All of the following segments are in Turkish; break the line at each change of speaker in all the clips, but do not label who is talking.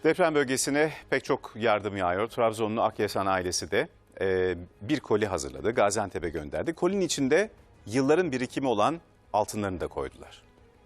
Deprem bölgesine pek çok yardım yağıyor. Trabzonlu Akyasan ailesi de bir koli hazırladı. Gaziantep'e gönderdi. Kolinin içinde yılların birikimi olan altınlarını da koydular.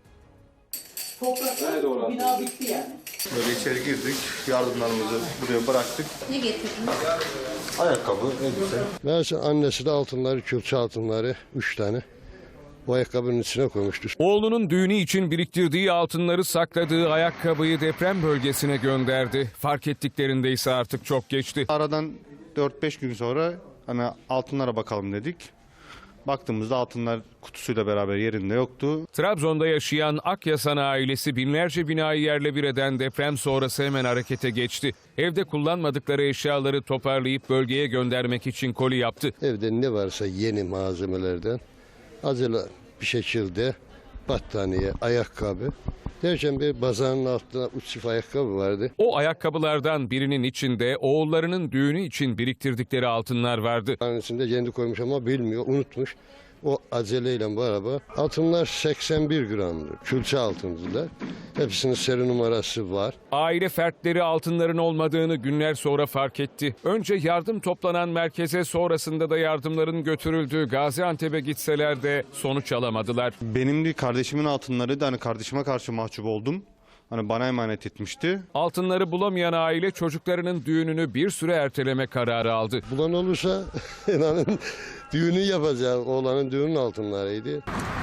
Toprakla bina bitti yani.
Böyle içeri girdik, yardımlarımızı buraya bıraktık.
Ne getirdiniz?
Ayakkabı, elbise.
Meğerse annesi de altınları, külçe altınları 3 tane bu ayakkabının içine koymuştu.
Oğlunun düğünü için biriktirdiği altınları sakladığı ayakkabıyı deprem bölgesine gönderdi. Fark ettiklerinde ise artık çok geçti.
Aradan 4-5 gün sonra hani altınlara bakalım dedik. Baktığımızda altınlar kutusuyla beraber yerinde yoktu.
Trabzon'da yaşayan Akyasan ailesi binlerce binayı yerle bir eden deprem sonrası hemen harekete geçti. Evde kullanmadıkları eşyaları toparlayıp bölgeye göndermek için koli yaptı.
Evde ne varsa yeni malzemelerden acele bir şekilde battaniye, ayakkabı. Derken bir bazanın altında 3 çift ayakkabı vardı.
O ayakkabılardan birinin içinde oğullarının düğünü için biriktirdikleri altınlar vardı.
Annesinde kendi koymuş ama bilmiyor, unutmuş. O aceleyle beraber altınlar 81 gramdır. Külçe altındılar. Hepsinin seri numarası var.
Aile fertleri altınların olmadığını günler sonra fark etti. Önce yardım toplanan merkeze, sonrasında da yardımların götürüldüğü Gaziantep'e gitseler de sonuç alamadılar.
Benim de kardeşimin altınları da hani kardeşime karşı mahcup oldum. Hani bana emanet etmişti.
Altınları bulamayan aile çocuklarının düğününü bir süre erteleme kararı aldı.
Bulan olursa inanın düğünü yapacağız. Oğlanın düğünün altınlarıydı.